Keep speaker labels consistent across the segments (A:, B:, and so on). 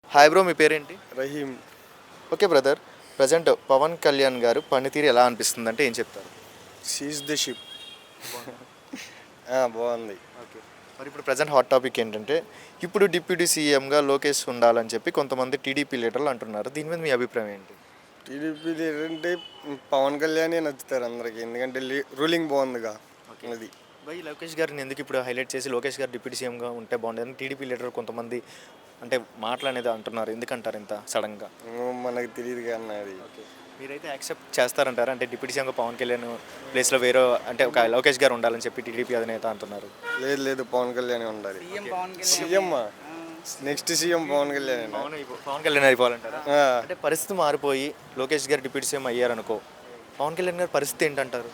A: Hi bro, మీ పేరేంటి?
B: Rahim.
A: Okay brother, present Pawan Kalyan garu పనితీరు ఎలా అనిపిస్తుంది అంటే ఏం చెప్తారు?
B: Seize the ship. బాగుంది.
A: ఓకే, మరి ఇప్పుడు ప్రజెంట్ హాట్ టాపిక్ ఏంటంటే ఇప్పుడు డిప్యూటీ సీఎంగా లోకేష్ ఉండాలని చెప్పి కొంతమంది టీడీపీ లీడర్లు అంటున్నారు. దీని మీద మీ అభిప్రాయం ఏంటి?
B: టీడీపీ ఏంటంటే పవన్ కళ్యాణే నచ్చుతారు అందరికి, ఎందుకంటే రూలింగ్ బాగుందిగా. అది
A: బై లోకేష్ గారిని ఎందుకు ఇప్పుడు హైలైట్ చేసి లోకేష్ గారు డిప్యూటీ సీఎంగా ఉంటే బాగుండేదని టీడీపీ లీడర్ కొంతమంది అంటే మాటలు అంటున్నారు. ఎందుకంటారు ఇంత సడన్గా?
B: మనకు తెలియదు కానీ అది.
A: ఓకే, మీరైతే యాక్సెప్ట్ చేస్తారంటారా? అంటే డిప్యూటీ సీఎంగా పవన్ కళ్యాణ్ ప్లేస్లో వేరే అంటే ఒక లోకేష్ గారు ఉండాలని చెప్పి టీడీపీ అధినేత అంటున్నారు.
B: లేదు లేదు, పవన్ కళ్యాణే ఉండాలి. CM next CM Pawan Kalyan.
A: Pawan Kalyan అయిపోవాలంటారా? అంటే పరిస్థితి మారిపోయి లోకేష్ గారు డిప్యూటీ సీఎం అయ్యారనుకో, పవన్ కళ్యాణ్ గారి పరిస్థితి ఏంటంటారు?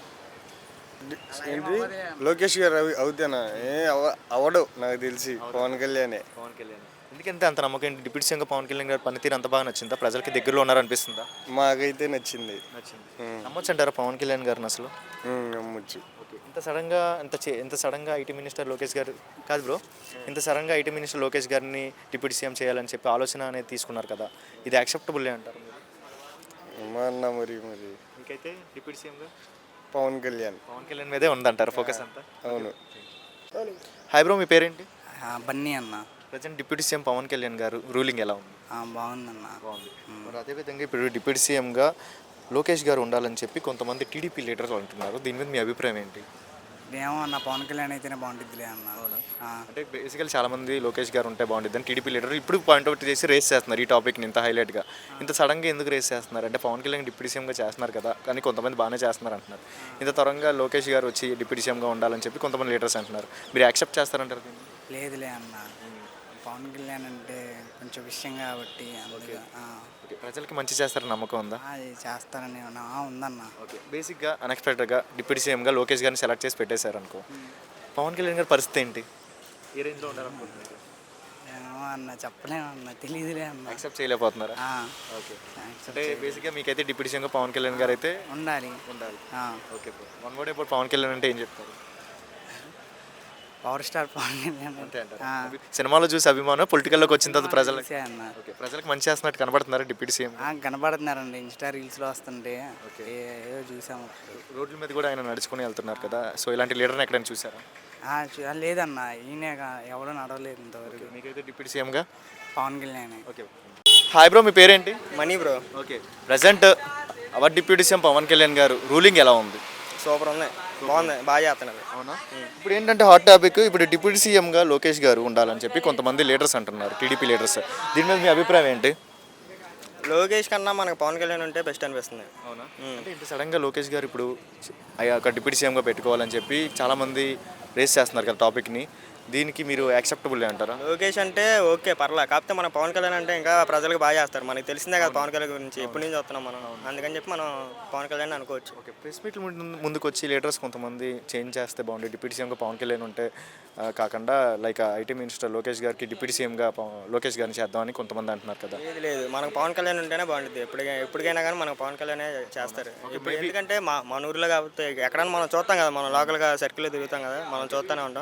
B: ఏంటి లోకేష్ గారు అవుతానా? అవడు నాకు తెలిసి పవన్ కళ్యాణే.
A: పవన్ కళ్యాణ్ ఎందుకంటే అంత నమ్మకం ఏంటి? డిప్యూటీ సీఎంగా పవన్ కళ్యాణ్ గారి పనితీరు అంత బాగా నచ్చిందా? ప్రజలకి దగ్గరలో ఉన్నారనిపిస్తుందా?
B: మాకైతే నచ్చింది.
A: నమ్మొచ్చు అంటారా పవన్ కళ్యాణ్ గారిని అసలు?
B: నమ్మొచ్చు.
A: ఓకే, ఇంత సడన్గా ఐటీ మినిస్టర్ లోకేష్ గారు కాదు బ్రో, ఇంత సడన్గా ఐటీ మినిస్టర్ లోకేష్ గారిని డిప్యూటీ సీఎం చేయాలని చెప్పి ఆలోచన అనేది తీసుకున్నారు కదా, ఇది యాక్సెప్టబుల్ అంటారు మీరు?
B: ఏమన్నా మరి మరి
A: మీకైతే డిప్యూటీ సీఎంగా
B: పవన్ కళ్యాణ్
A: మీదే ఉందంటారు ఫోకస్ అంతా?
B: అవును.
A: హాయ్ బ్రో, మీ పేరేంటి?
C: బన్నీ అన్న.
A: Present deputy CM Pawan Kalyan garu ruling ఎలా ఉంది?
C: బాగుందన్న.
A: బాగుంది. మరి అదేవిధంగా ఇప్పుడు డిప్యూటీ సీఎంగా లోకేష్ గారు ఉండాలని చెప్పి కొంతమంది టీడీపీ లీడర్లు అంటున్నారు. దీని మీద మీ అభిప్రాయం ఏంటి?
C: ఏమో అన్న, పవన్ కళ్యాణ్ అయితేనే బాగుంటుందిలే అన్న.
A: అంటే బేసికల్ చాలా మంది లోకేష్ గారు ఉంటే బాగుంటుంది అని టీడీపీ లీడర్ ఇప్పుడు పాయింట్అవుట్ చేసి రేస్ చేస్తున్నారు ఈ టాపిక్ని ఇంత హైలైట్గా. ఇంత సడన్గా ఎందుకు రేస్ చేస్తున్నారు అంటే పవన్ కళ్యాణ్ డిప్యూటీ సీఎంగా చేస్తున్నారు కదా, కానీ కొంతమంది బాగానే చేస్తున్నారు అంటున్నారు. ఇంత త్వరగా లోకేష్ గారు వచ్చి డిప్యూటీ సీఎంగా ఉండాలని చెప్పి కొంతమంది లీడర్స్ అంటున్నారు. మీరు యాక్సెప్ట్ చేస్తారంటారు దీన్ని?
C: లేదులే అన్న, పవన్ కళ్యాణ్ అంటే కొంచెం విషయం కాబట్టి అందుకే.
A: ఓకే, ప్రజలకి మంచి చేస్తారని నమ్మకం ఉందా?
C: అది చేస్తారని ఉందన్న.
A: ఓకే, బేసిక్గా అన్ఎక్స్పెక్టెడ్గా డిప్యూటీ సీఎంగా లోకేష్ గారిని సెలెక్ట్ చేసి పెట్టేశారు అనుకో, పవన్ కళ్యాణ్ గారి పరిస్థితి ఏంటి? ఏ రేంజ్లో ఉండాలనుకుంటున్నారు?
C: ఏమో అన్న, చెప్పలేము అన్న, తెలియదులే అన్న.
A: యాక్సెప్ట్ చేయలేకపోతున్నారా? ఓకే, అంటే బేసిక్గా మీకైతే డిప్యూటీ సీఎంగా పవన్ కళ్యాణ్ గారు అయితే
C: ఉండాలి.
A: ఓకే, వన్ వర్డ్ ఇప్పుడు పవన్ కళ్యాణ్ అంటే ఏం చెప్తారు?
C: పవర్ స్టార్ పవన్ కళ్యాణ్
A: అంతే అంటారు. సినిమాలో చూసి అభిమానం, పొలిటికల్లోకి వచ్చిన తర్వాత ప్రజలకు
C: అన్న.
A: ఓకే, ప్రజలకు మంచి చేస్తున్నట్టు కనబడుతున్నారు డిప్యూటీ సీఎం?
C: కనబడుతున్నారండి, ఇన్స్టా రీల్స్లో వస్తుంటే ఏదో చూసాము.
A: రోడ్ల మీద కూడా ఆయన నడుచుకుని వెళ్తున్నారు కదా, సో ఇలాంటి లీడర్ని ఎక్కడైనా చూసారా?
C: లేదన్న, ఈయనే ఎవడో నడవలేదు ఇంతవరకు.
A: మీకైతే డిప్యూటీ సీఎంగా
C: Pawan Kalyan.
A: Okay. Hi bro, మీ పేరేంటి?
B: Mani bro.
A: Okay, present our deputy CM Pawan Kalyan garu ruling ఎలా ఉంది?
B: సూపర్ ఉంది, బాగుంది, బాగా చేస్తున్నారు.
A: అవునా? ఇప్పుడు ఏంటంటే హాట్ టాపిక్, ఇప్పుడు డిప్యూటీ సీఎంగా లోకేష్ గారు ఉండాలని చెప్పి కొంతమంది లీడర్స్ అంటున్నారు, టీడీపీ లీడర్స్. దీని మీద మీ అభిప్రాయం ఏంటి?
B: లోకేష్ కన్నా మనకు పవన్ కళ్యాణ్ ఉంటే బెస్ట్ అనిపిస్తుంది.
A: అవునా? అంటే ఇంత సడన్గా లోకేష్ గారు ఇప్పుడు ఒక డిప్యూటీ సీఎంగా పెట్టుకోవాలని చెప్పి చాలామంది రేస్ చేస్తున్నారు కదా టాపిక్ని, దీనికి మీరు యాక్సెప్టబుల్ అంటారా?
B: లోకేష్ అంటే ఓకే పర్లా, కాకపోతే మన పవన్ కళ్యాణ్ అంటే ఇంకా ప్రజలకు బాగా చేస్తారు. మనకి తెలిసిందే కదా పవన్ కళ్యాణ్ గురించి, ఎప్పటి నుంచి వస్తున్నాం మనం, అందుకని చెప్పి మనం పవన్ కళ్యాణ్ అనుకోవచ్చు.
A: ఓకే, ప్రెస్ మీట్లు ముందుకు వచ్చి లీడర్స్ కొంతమంది చేంజ్ చేస్తే బాగుంటుంది, డిప్యూటీ సీఎంగా పవన్ కళ్యాణ్ ఉంటే కాకుండా లైక్ ఐటీ మినిస్టర్ లోకేష్ గారికి డిప్యూటీ సీఎంగా లోకేష్ గారిని చేద్దామని కొంతమంది అంటున్నారు కదా.
B: లేదు లేదు, మనకు పవన్ కళ్యాణ్ ఉంటేనే బాగుంటుంది. ఎప్పటికైనా కానీ మనకు పవన్ కళ్యాణే చేస్తారు. ఇప్పుడు ఎందుకంటే మన ఊర్లో కాబట్టి ఎక్కడైనా మనం చూస్తాం కదా, మనం లోకల్గా సర్కిల్లో తిరుగుతాం కదా, మనం చూస్తూనే ఉంటాం.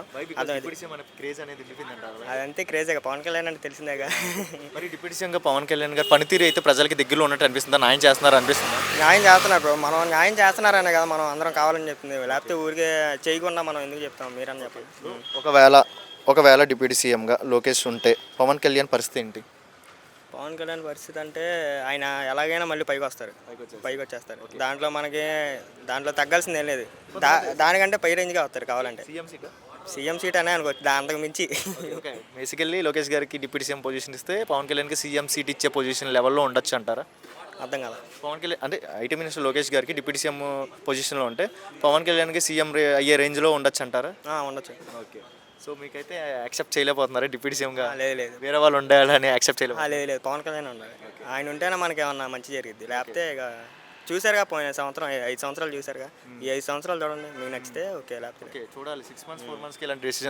B: అదంతే క్రేజీగా, పవన్ కళ్యాణ్ అంటే తెలిసిందేగా.
A: మరి డిప్యూటీ సీఎంగా పవన్ కళ్యాణ్ గారు పనితీరు అయితే ప్రజలకి దగ్గరలో ఉన్నట్టు అనిపిస్తుందా? న్యాయం చేస్తున్నారు అనిపిస్తుందా?
B: న్యాయం చేస్తున్నారు బ్రో, మనం న్యాయం చేస్తున్నారనే కదా మనం అందరం కావాలని చెప్తుంది, లేకపోతే ఊరికే చేయకుండా మనం ఎందుకు చెప్తాం, మీరని చెప్పండి.
A: ఒకవేళ డిప్యూటీ సీఎంగా లోకేష్ ఉంటే పవన్ కళ్యాణ్ పరిస్థితి ఏంటి?
B: పవన్ కళ్యాణ్ పరిస్థితి అంటే ఆయన ఎలాగైనా మళ్ళీ పైకి వచ్చేస్తారు. దాంట్లో తగ్గాల్సింది ఏం లేదు, దానికంటే పై రేంజ్గా వస్తారు కావాలంటే. సీఎం సీట్ అనే అనుకోవచ్చు, అంతకు మించి.
A: బేసికల్లీ లోకేష్ గారికి డిప్యూటీ సీఎం పొజిషన్ ఇస్తే పవన్ కళ్యాణ్కి సీఎం సీట్ ఇచ్చే పొజిషన్ లెవెల్లో ఉండొచ్చు అంటారా?
B: అర్థం కదా.
A: పవన్ కళ్యాణ్ అంటే ఐటీ మినిస్టర్ లోకేష్ గారికి డిప్యూటీ సీఎం పొజిషన్లో ఉంటే పవన్ కళ్యాణ్కి సీఎం అయ్యే రేంజ్లో ఉండొచ్చు అంటారా?
B: ఉండొచ్చు.
A: ఓకే, సో మీకైతే యాక్సెప్ట్ చేయలేకపోతున్నారా డిప్యూటీ సీఎంగా?
B: లేదు,
A: వేరే వాళ్ళు ఉండాలని యాక్సెప్ట్ చేయలేదు.
B: లేదు, పవన్ కళ్యాణ్ ఉండాలి. ఆయన ఉంటేనే మనకి ఏమన్నా మంచి జరిగింది, లేకపోతే ఇక చూసారుగా పోయిన సంవత్సరం 5 సంవత్సరాలు చూసారుగా, ఈ 5 సంవత్సరాలు చూడండి, మీకు నచ్చితే ఓకే, లేకపోతే
A: చూడాలి 6 months 4 monthsకి ఇలాంటి డెసిషన్